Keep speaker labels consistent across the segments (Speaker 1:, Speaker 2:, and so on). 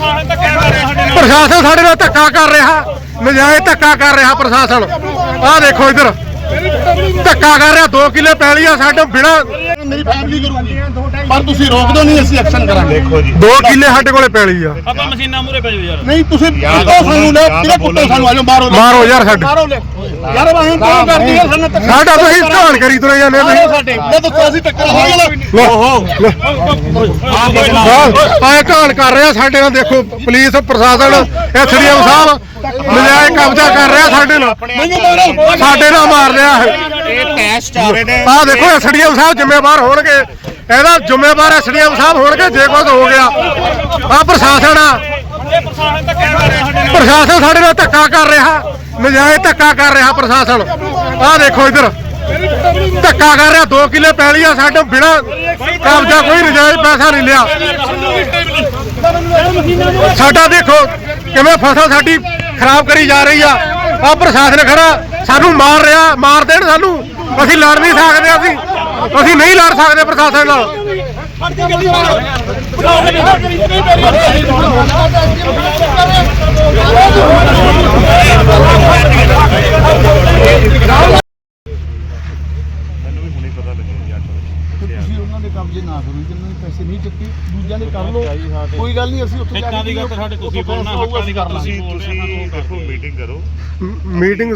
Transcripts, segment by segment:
Speaker 1: प्रशासन साडे नाल धक्का कर रहा, नजायज धक्का कर रहा प्रशासन। आ देखो इधर धक्का कर रहा, 2 किले पैली आ साडे बिना
Speaker 2: मेरी फैमिली करूंगी पर ਤੁਸੀਂ ਰੋਕ ਦੋ ਨਹੀਂ ਅਸੀਂ ਐਕਸ਼ਨ ਕਰਾਂਗੇ। ਦੇਖੋ ਜੀ
Speaker 1: 2 ਕਿਲੇ ਸਾਡੇ ਕੋਲੇ ਪੈਲੀ ਆ।
Speaker 3: ਆਪਾਂ ਮਸ਼ੀਨਾਂ ਮੂਰੇ ਪੈ ਜਾਓ ਯਾਰ।
Speaker 2: ਨਹੀਂ ਤੁਸੀਂ ਕੁੱਟੋ ਸਾਨੂੰ ਲੈ ਤੇਰੇ ਕੁੱਟੋ ਸਾਨੂੰ ਆਜੋ
Speaker 1: ਮਾਰੋ ਯਾਰ ਸਾਡੇ
Speaker 2: ਮਾਰੋ ਲੈ ਯਾਰ ਵਾਹਨ ਕਿਉਂ ਕਰਦੀ ਹੈ ਸਾਨੂੰ
Speaker 1: ਸਾਡਾ ਤੁਸੀਂ ਧਾਨ ਕਰੀ ਤੁਰੇ ਜਾਂਦੇ
Speaker 2: ਮਾਰੋ ਸਾਡੇ ਲੈ ਦੱਸੋ ਅਸੀਂ ਟੱਕਰ ਹੋ
Speaker 1: ਆਏ ਧਾਨ ਕਰ ਰਿਹਾ ਸਾਡੇ ਨਾਲ। ਦੇਖੋ ਪੁਲਿਸ ਪ੍ਰਸ਼ਾਸਨ ਐਸਡੀਐਮ ਸਾਹਿਬ ਨਜਾਇਜ਼ ਕਬਜ਼ਾ ਕਰ ਰਿਹਾ ਸਾਡੇ ਨਾਲ, ਸਾਡੇ ਨਾਲ ਮਾਰ ਰਿਹਾ ਹੈ।
Speaker 2: ਇਹ ਟੈਸਟ ਚੱਲ ਰਹੇ ਨੇ।
Speaker 1: ਆਹ ਦੇਖੋ ਐਸਡੀਐਮ ਸਾਹਿਬ ਜ਼ਿੰਮੇਵਾਰ ਹੋਣਗੇ, ਇਹਦਾ ਜ਼ਿੰਮੇਵਾਰ ਐਸਡੀਐਮ ਸਾਹਿਬ ਹੋਣਗੇ ਜੇ ਕੁਝ ਹੋ ਗਿਆ। ਆਹ ਪ੍ਰਸ਼ਾਸਨ ਆ, ਪ੍ਰਸ਼ਾਸਨ ਸਾਡੇ ਨਾਲ ਧੱਕਾ ਕਰ ਰਿਹਾ, ਨਜਾਇਜ਼ ਧੱਕਾ ਕਰ ਰਿਹਾ ਪ੍ਰਸ਼ਾਸਨ। ਆਹ ਦੇਖੋ ਇਧਰ ਧੱਕਾ ਕਰ ਰਿਹਾ, 2 ਕਿਲੇ ਪੈਲੀ ਆ ਸਾਡੇ ਬਿਨਾ ਕਬਜ਼ਾ, ਕੋਈ ਨਜਾਇਜ਼ ਪੈਸਾ ਨਹੀਂ ਲਿਆ ਸਾਡਾ। ਦੇਖੋ ਕਿਵੇਂ ਫਸਲ ਸਾਡੀ ਖਰਾਬ ਕਰੀ ਜਾ ਰਹੀ ਆ। ਆਹ ਪ੍ਰਸ਼ਾਸਨ ਖੜਾ ਸਾਨੂੰ ਮਾਰ ਰਿਹਾ, ਮਾਰ ਦੇਣ ਸਾਨੂੰ, ਅਸੀਂ ਲੜ ਨਹੀਂ ਸਕਦੇ, ਅਸੀਂ ਨਹੀਂ ਲੜ ਸਕਦੇ ਪ੍ਰਸ਼ਾਸਨ ਨਾਲ।
Speaker 2: ਕਬਜ਼ੇ ਨਾ ਕਰੋ, ਜਿੰਨਾਂ ਨੇ ਪੈਸੇ ਨਹੀਂ ਚੱਕੇ ਦੂਜਿਆਂ ਦੇ ਕਰ ਲਓ, ਕੋਈ ਗੱਲ ਨਹੀਂ। ਅਸੀਂ ਉੱਥੇ ਜਾ ਕੇ
Speaker 3: ਦੀ ਗੱਲ ਸਾਡੇ ਤੁਸੀਂ ਬੋਲਣਾ, ਹੱਕਾਂ ਦੀ ਗੱਲ ਤੁਸੀਂ
Speaker 4: ਦੇਖੋ ਮੀਟਿੰਗ ਕਰੋ।
Speaker 1: ਮੀਟਿੰਗ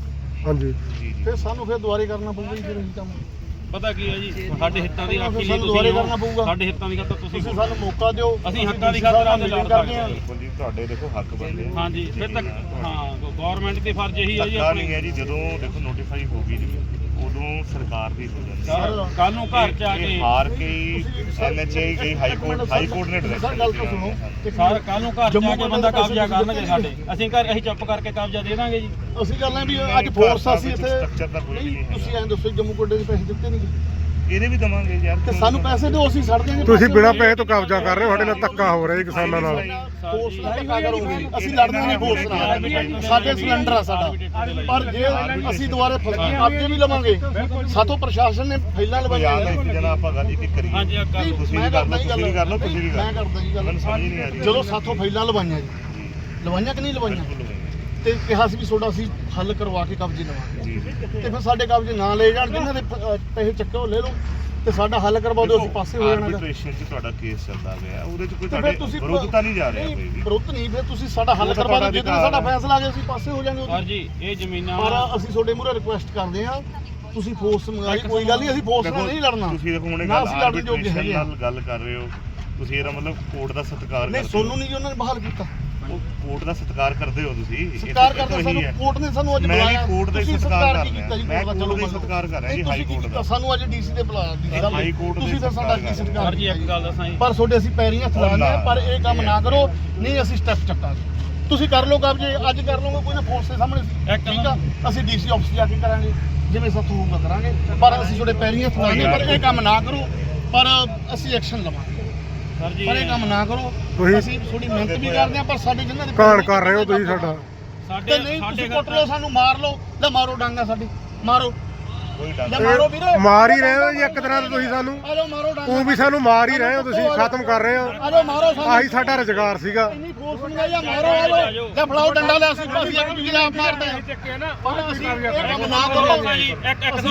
Speaker 1: ਹਾਂਜੀ
Speaker 2: ਫਿਰ ਸਾਨੂੰ ਫਿਰ ਦੁਬਾਰੇ ਕਰਨਾ ਪਊਗਾ ਜੀ। ਫਿਰ ਅਸੀਂ ਕੰਮ
Speaker 3: ਪਤਾ ਕੀ ਹੈ ਜੀ, ਸਾਡੇ ਹਿੱਤਾਂ ਦੀ ਰਾਖੀ ਲਈ
Speaker 2: ਸਾਨੂੰ ਦੁਬਾਰੇ ਕਰਨਾ ਪਊਗਾ।
Speaker 3: ਸਾਡੇ ਹਿੱਤਾਂ ਦੀ ਖਾਤਰ ਤੁਸੀਂ
Speaker 2: ਸਾਨੂੰ ਮੌਕਾ ਦਿਓ,
Speaker 3: ਅਸੀਂ ਹੱਕਾਂ ਦੀ ਖਾਤਰ ਆਦੇ ਲੜ ਸਕਦੇ ਹਾਂ।
Speaker 4: ਬਿਲਕੁਲ ਜੀ, ਤੁਹਾਡੇ ਦੇਖੋ ਹੱਕ ਬਣਦੇ ਆ।
Speaker 3: ਹਾਂਜੀ ਫਿਰ ਤੱਕ ਹਾਂ ਗਵਰਨਮੈਂਟ ਦੀ ਫਰਜ਼ ਇਹੀ ਹੈ ਜੀ
Speaker 4: ਆਪਣੀ ਨਹੀਂ ਹੈ ਜੀ। ਜਦੋਂ ਦੇਖੋ ਨੋਟੀਫਾਈ ਹੋ ਗਈ ਜੀ ਉਦੋਂ ਸਰਕਾਰ ਦੀ ਹੋ ਜਾਂਦੀ ਹੈ।
Speaker 3: ਕੱਲ ਨੂੰ ਘਰ ਚ ਆ ਕੇ
Speaker 4: ਹਾਰ ਕੇ ਐਨਐਚਏ ਗਈ ਹਾਈ ਕੋਰਟ ਨੇ
Speaker 2: ਸਰ ਗੱਲ ਤਾਂ ਸੁਣੋ।
Speaker 3: ਸਰ ਕੱਲ ਨੂੰ ਘਰ ਚ ਆ ਕੇ ਬੰਦਾ ਕਬਜ਼ਾ ਕਰਨਗੇ ਸਾਡੇ, ਅਸੀਂ ਚੁੱਪ ਕਰਕੇ ਕਬਜ਼ਾ ਦੇ ਦਾਂਗੇ ਜੀ।
Speaker 2: ਅਸੀਂ ਗੱਲ ਹੈ ਵੀ ਅੱਜ ਫੋਰਸ ਅਸੀਂ ਇੱਥੇ
Speaker 4: ਸਟਰਕਚਰ ਦਾ ਕੋਈ ਨਹੀਂ ਹੈ।
Speaker 2: ਤੁਸੀਂ ਐਂ ਦੱਸੋ ਜੰਮੂ ਕੋਟੇ ਦੇ ਪੈਸੇ ਦਿੱਤੇ ਨਹੀਂ
Speaker 4: ਇਹਦੇ ਵੀ ਦਵਾਂਗੇ ਯਾਰ,
Speaker 2: ਤੇ ਸਾਨੂੰ ਪੈਸੇ ਦਿਓ, ਅਸੀਂ ਛੱਡ ਦਿਆਂਗੇ।
Speaker 1: ਤੁਸੀਂ ਬਿਨਾਂ ਪੈਸੇ ਤੋਂ ਕਬਜ਼ਾ ਕਰ ਰਹੇ ਹੋ, ਸਾਡੇ ਨਾਲ ਧੱਕਾ ਹੋ ਰਿਹਾ ਕਿਸਾਨਾਂ ਨਾਲ।
Speaker 2: ਫੋਰਸ ਨਾਲ ਧੱਕਾ ਕਰੋਗੇ, ਅਸੀਂ ਲੜਨਾ ਨਹੀਂ ਫੋਰਸ ਨਾਲ। ਸਾਡੇ ਸਿਲੰਡਰ ਆ ਸਾਡਾ, ਪਰ ਜੇ ਅਸੀਂ ਦੁਬਾਰੇ ਕਬਜ਼ੇ ਵੀ ਲਵਾਂਗੇ ਸਾਥੋਂ ਪ੍ਰਸ਼ਾਸਨ ਨੇ ਫੈਲਾਂ ਲਵਾਈਆਂ ਨੇ।
Speaker 4: ਇੱਕ ਜਣਾ ਆਪਾਂ ਗੱਲ ਇੱਕ ਕਰੀਏ।
Speaker 3: ਹਾਂਜੀ
Speaker 4: ਤੁਸੀਂ ਵੀ ਕਰ ਲਓ, ਤੁਸੀਂ ਵੀ ਕਰ ਲਓ, ਤੁਸੀਂ ਵੀ ਕਰ
Speaker 2: ਮੈਂ ਕਰਦਾ ਜੀ ਗੱਲ।
Speaker 4: ਮੈਨੂੰ ਸਮਝ ਨਹੀਂ ਆ ਰਹੀ।
Speaker 2: ਚਲੋ ਸਾਥੋਂ ਫੈਲਾਂ ਲਵਾਈਆਂ ਜੀ, ਲਵਾਈਆਂ ਕਿ ਨਹੀਂ ਲਵਾਈਆਂ, ਤੇ ਕਿਹਾ ਸੀ ਵੀ ਤੁਹਾਡਾ ਅਸੀਂ ਹੱਲ ਕਰਵਾ ਕੇ ਕਬਜ਼ੇ ਲਵਾਂਗੇ। ਤੇ ਫਿਰ ਸਾਡੇ ਕਬਜ਼ੇ ਨਾ ਲੈ ਜਾਣ, ਜਿਨ੍ਹਾਂ ਦੇ ਪੈਸੇ ਚੱਕੇ ਉਹ ਲੈ ਲਓ ਤੇ ਸਾਡਾ ਹੱਲ ਕਰਵਾ ਦਿਓ, ਅਸੀਂ ਪਾਸੇ ਹੋ ਜਾਣਾ।
Speaker 4: ਆਰਬਿਟ੍ਰੇਸ਼ਨ 'ਚ ਤੁਹਾਡਾ ਕੇਸ ਚੱਲਦਾ ਪਿਆ, ਉਹਦੇ 'ਚ ਕੋਈ ਤੁਹਾਡੇ ਵਿਰੁੱਧ ਤਾਂ ਨਹੀਂ ਜਾ ਰਿਹਾ ਕੋਈ ਵੀ।
Speaker 2: ਵਿਰੁੱਧ ਨਹੀਂ, ਫਿਰ ਤੁਸੀਂ ਸਾਡਾ ਹੱਲ ਕਰਵਾ ਦਿਓ। ਜਦੋਂ ਸਾਡਾ ਫੈਸਲਾ ਆ ਗਿਆ ਅਸੀਂ ਪਾਸੇ ਹੋ ਜਾਾਂਗੇ।
Speaker 3: ਸਰ ਜੀ ਇਹ ਜ਼ਮੀਨਾਂ
Speaker 2: ਪਰ ਅਸੀਂ ਤੁਹਾਡੇ ਮੂਹਰੇ ਰਿਕੁਐਸਟ ਕਰਦੇ ਹਾਂ, ਤੁਸੀਂ ਫੋਰਸ ਮੰਗਾਈ, ਕੋਈ ਗੱਲ ਨਹੀਂ, ਅਸੀਂ ਫੋਰਸ ਨਾਲ ਨਹੀਂ ਲੜਨਾ।
Speaker 4: ਤੁਸੀਂ ਦੇਖੋ ਹੁਣੇ
Speaker 2: ਨਾ ਅਸੀਂ ਲੜਨ ਜੋਗੇ ਹੈਗੇ ਆ।
Speaker 4: ਨਾਲ ਗੱਲ ਕਰ ਰਹੇ ਹੋ ਤੁਸੀਂ, ਇਹਦਾ ਮਤਲਬ ਕੋਰਟ ਦਾ ਸਤਿਕਾਰ
Speaker 2: ਨਹੀਂ,
Speaker 4: ਕਰਦੇ ਹੋ।
Speaker 2: ਸੋਨੂੰ ਨਹੀਂ ਜੀ ਉਹਨਾਂ ਨੇ ਬਹਾਲ ਕੀਤਾ।
Speaker 4: ਉਹ ਕੋਰਟ ਦਾ ਸਤਿਕਾਰ ਕਰਦੇ ਹੋ ਤੁਸੀਂ।
Speaker 2: ਸਤਿਕਾਰ ਕਰਦੇ ਸਾਨੂੰ, ਕੋਰਟ ਨੇ ਸਾਨੂੰ ਅੱਜ ਬੁਲਾਇਆ।
Speaker 4: ਮੈਂ ਵੀ ਕੋਰਟ ਦਾ ਸਤਿਕਾਰ ਕਰ ਰਿਹਾ, ਮੈਂ ਕੋਰਟ ਦਾ
Speaker 2: ਚਲੋ
Speaker 4: ਸਤਿਕਾਰ ਕਰ ਰਿਹਾ ਜੀ, ਹਾਈ ਕੋਰਟ ਦਾ।
Speaker 2: ਸਾਨੂੰ ਅੱਜ ਡੀਸੀ ਦੇ ਬੁਲਾਇਆ,
Speaker 4: ਹਾਈ ਕੋਰਟ ਦੇ
Speaker 2: ਤੁਸੀਂ ਫਿਰ ਸਾਡਾ ਕੀ ਸਤਿਕਾਰ।
Speaker 3: ਸਰ ਜੀ ਇੱਕ ਗੱਲ ਦੱਸਾਂ ਜੀ,
Speaker 2: ਪਰ ਤੁਹਾਡੇ ਅਸੀਂ ਪੈਰੀਂ ਹੱਥ ਲਾਉਂਦੇ ਆ, ਪਰ ਇਹ ਕੰਮ ਨਾ ਕਰੋ, ਨਹੀਂ ਅਸੀਂ ਸਟੈਪ ਚੱਕਾਂਗੇ। ਤੁਸੀਂ ਕਰ ਲਓ ਕਬਜ਼ੇ, ਅੱਜ ਕਰ ਲਓਗੇ, ਕੋਈ ਨਾ ਫੋਰਸ ਦੇ ਸਾਹਮਣੇ ਠੀਕ ਆ। ਅਸੀਂ ਡੀਸੀ ਆਫਿਸ ਜਾ ਕੇ ਕਰਾਂਗੇ, ਜਿਵੇਂ ਸਾਥੋਂ ਹੋਊਗਾ ਕਰਾਂਗੇ, ਪਰ ਅਸੀਂ ਤੁਹਾਡੇ ਪੈਰੀਂ ਹੱਥ ਲਾਉਂਦੇ, ਪਰ ਇਹ ਕੰਮ ਨਾ ਕਰੋ, ਪਰ ਅਸੀਂ ਐਕਸ਼ਨ ਲਵਾਂਗੇ।
Speaker 3: ਸਰ ਜੀ
Speaker 2: ਪਰ ਇਹ ਕੰਮ ਨਾ ਕਰੋ। ਅਸੀਂ ਥੋੜੀ ਮਿਹਨਤ ਵੀ ਕਰਦੇ ਆ, ਪਰ ਸਾਡੇ ਜਿਨ੍ਹਾਂ ਦੇ
Speaker 1: ਕਾਣ ਕਰ ਰਹੇ ਹੋ ਤੁਸੀਂ ਸਾਡਾ।
Speaker 3: ਸਾਡੇ
Speaker 2: ਨਹੀਂ ਤੁਸੀਂ ਕੁੱਟ ਲਓ, ਸਾਨੂੰ ਮਾਰ ਲਓ, ਲੈ ਮਾਰੋ ਡਾਂਗਾ ਸਾਡੀ, ਮਾਰੋ
Speaker 4: ਕੋਈ ਡਰ
Speaker 2: ਲੈ ਮਾਰੋ ਵੀਰੇ,
Speaker 1: ਮਾਰ ਹੀ ਰਹੇ ਹੋ ਜੀ ਇੱਕ ਤਰ੍ਹਾਂ ਤੋਂ ਤੁਸੀਂ ਸਾਨੂੰ।
Speaker 2: ਆ ਜਾਓ ਮਾਰੋ ਡਾਂਗਾ।
Speaker 1: ਉਹ ਵੀ ਸਾਨੂੰ ਮਾਰ ਹੀ ਰਹੇ ਹੋ ਤੁਸੀਂ, ਖਤਮ ਕਰ ਰਹੇ ਹੋ।
Speaker 2: ਆ ਜਾਓ ਮਾਰੋ ਸਾਨੂੰ।
Speaker 1: ਆਹੀ ਸਾਡਾ ਰੁਜ਼ਗਾਰ ਸੀਗਾ।
Speaker 2: ਇੰਨੀ ਫੋਰਸ ਨਹੀਂ ਆਈ, ਮਾਰੋ ਆ ਜਾਓ, ਲੈ ਫੜਾਓ ਡੰਡਾ, ਲੈ ਅਸੀਂ ਪਾਸੀਆਂ ਕਿ ਤੁਸੀਂ ਆਪ ਮਾਰਦੇ ਆ। ਪਰ ਅਸੀਂ ਇਹ ਕੰਮ ਨਾ ਕਰੋ
Speaker 3: ਜੀ। ਇੱਕ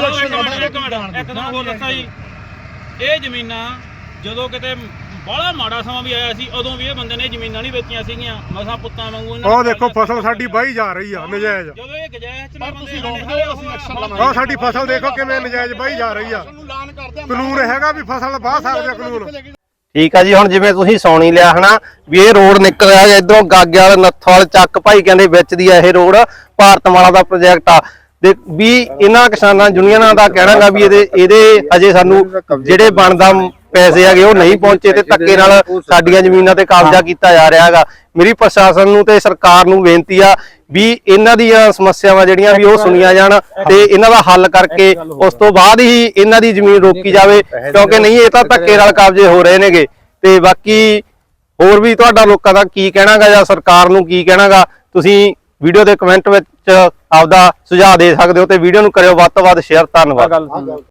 Speaker 3: ਤੁਹਾਨੂੰ ਹੋਰ ਦੱਸਾਂ ਜੀ, ਇਹ ਜ਼ਮੀਨਾਂ ਜਦੋਂ ਕਿਤੇ ਬੜਾ ਮਾੜਾ ਸਮਾਂ ਵੀ ਆਇਆ ਸੀ, ਉਦੋਂ ਵੀ ਇਹ ਬੰਦੇ ਨੇ ਜ਼ਮੀਨਾਂ ਨਹੀਂ ਵੇਚੀਆਂ ਸੀਗੀਆਂ, ਮਸਾਂ ਪੁੱਤਾਂ ਵਾਂਗੂ।
Speaker 1: ਉਹ ਦੇਖੋ ਫਸਲ ਸਾਡੀ ਵਾਹੀ ਜਾ ਰਹੀ ਆ ਨਜਾਇਜ਼।
Speaker 3: ਜਦੋਂ ਇਹ ਗਜਾਇਜ਼ ਚ
Speaker 2: ਪਰ ਤੁਸੀਂ ਰੋਕਦੇ ਹੋ, ਅਸੀਂ ਐਕਸ਼ਨ ਲਵਾਂਗੇ।
Speaker 1: ਆਹ ਸਾਡੀ ਫਸਲ ਦੇਖੋ ਕਿਵੇਂ ਨਜਾਇਜ਼ ਵਾਹੀ ਜਾ ਰਹੀ ਆ।
Speaker 2: ਸਾਨੂੰ ਐਲਾਨ ਕਰਦੇ ਆ,
Speaker 1: ਕਾਨੂੰਨ ਹੈਗਾ ਵੀ ਫਸਲ ਵਾਹ ਸਕਦੇ ਆ ਕਾਨੂੰਨ।
Speaker 5: ਠੀਕ ਆ ਜੀ, ਹੁਣ ਜਿਵੇਂ ਤੁਸੀਂ ਸੌਣੀ ਲਿਆ ਹਨਾ ਵੀ ਇਹ ਰੋਡ ਨਿਕਲ ਰਿਹਾ ਇਧਰੋਂ ਗਾਗਿਆਲ ਨੱਥੋਵਾਲ ਚੱਕ ਭਾਈ ਕਹਿੰਦੇ ਵਿੱਚ ਦੀ ਆ ਇਹ ਰੋਡ, ਭਾਰਤਮਾਲਾ ਦਾ ਪ੍ਰੋਜੈਕਟ ਆ। ਤੇ ਵੀ ਇਹਨਾਂ ਕਿਸਾਨਾਂ ਯੂਨੀਅਨਾਂ ਦਾ ਕਹਿਣਾਗਾ ਵੀ ਇਹਦੇ ਅਜੇ ਸਾਨੂੰ ਜਿਹੜੇ ਬਣਦਾ ਪੈਸੇ ਹੈਗੇ ਉਹ ਨਹੀਂ ਪਹੁੰਚੇ ਤੇ ਧੱਕੇ ਨਾਲ ਸਾਡੀਆਂ ਜ਼ਮੀਨਾਂ ਤੇ ਕਬਜ਼ਾ ਕੀਤਾ ਜਾ ਰਿਹਾ ਹੈਗਾ। ਮੇਰੀ ਪ੍ਰਸ਼ਾਸਨ ਨੂੰ ਤੇ ਸਰਕਾਰ ਨੂੰ ਬੇਨਤੀ ਆ ਵੀ ਇਹਨਾਂ ਦੀਆਂ ਸਮੱਸਿਆਵਾਂ ਜਿਹੜੀਆਂ ਵੀ ਉਹ ਸੁਣੀਆਂ ਜਾਣ ਤੇ ਇਹਨਾਂ ਦਾ ਹੱਲ ਕਰਕੇ ਉਸ ਤੋਂ ਬਾਅਦ ਹੀ ਇਹਨਾਂ ਦੀ ਜ਼ਮੀਨ ਰੋਕੀ ਜਾਵੇ, ਕਿਉਂਕਿ ਨਹੀਂ ਇਹ ਤਾਂ ਧੱਕੇ ਨਾਲ ਕਬਜ਼ੇ ਹੋ ਰਹੇ ਨੇਗੇ। ਤੇ ਬਾਕੀ ਹੋਰ ਵੀ ਤੁਹਾਡਾ ਲੋਕਾਂ ਦਾ ਕੀ ਕਹਿਣਾਗਾ ਜਾਂ ਸਰਕਾਰ ਨੂੰ ਕੀ ਕਹਿਣਾਗਾ, ਤੁਸੀਂ ਵੀਡੀਓ ਦੇ ਕਮੈਂਟ ਵਿੱਚ ਆਪਦਾ ਸੁਝਾਅ ਦੇ ਸਕਦੇ ਹੋ ਤੇ ਵੀਡੀਓ ਨੂੰ ਕਰਿਓ ਵੱਧ ਤੋਂ ਵੱਧ ਸ਼ੇਅਰ। ਧੰਨਵਾਦ।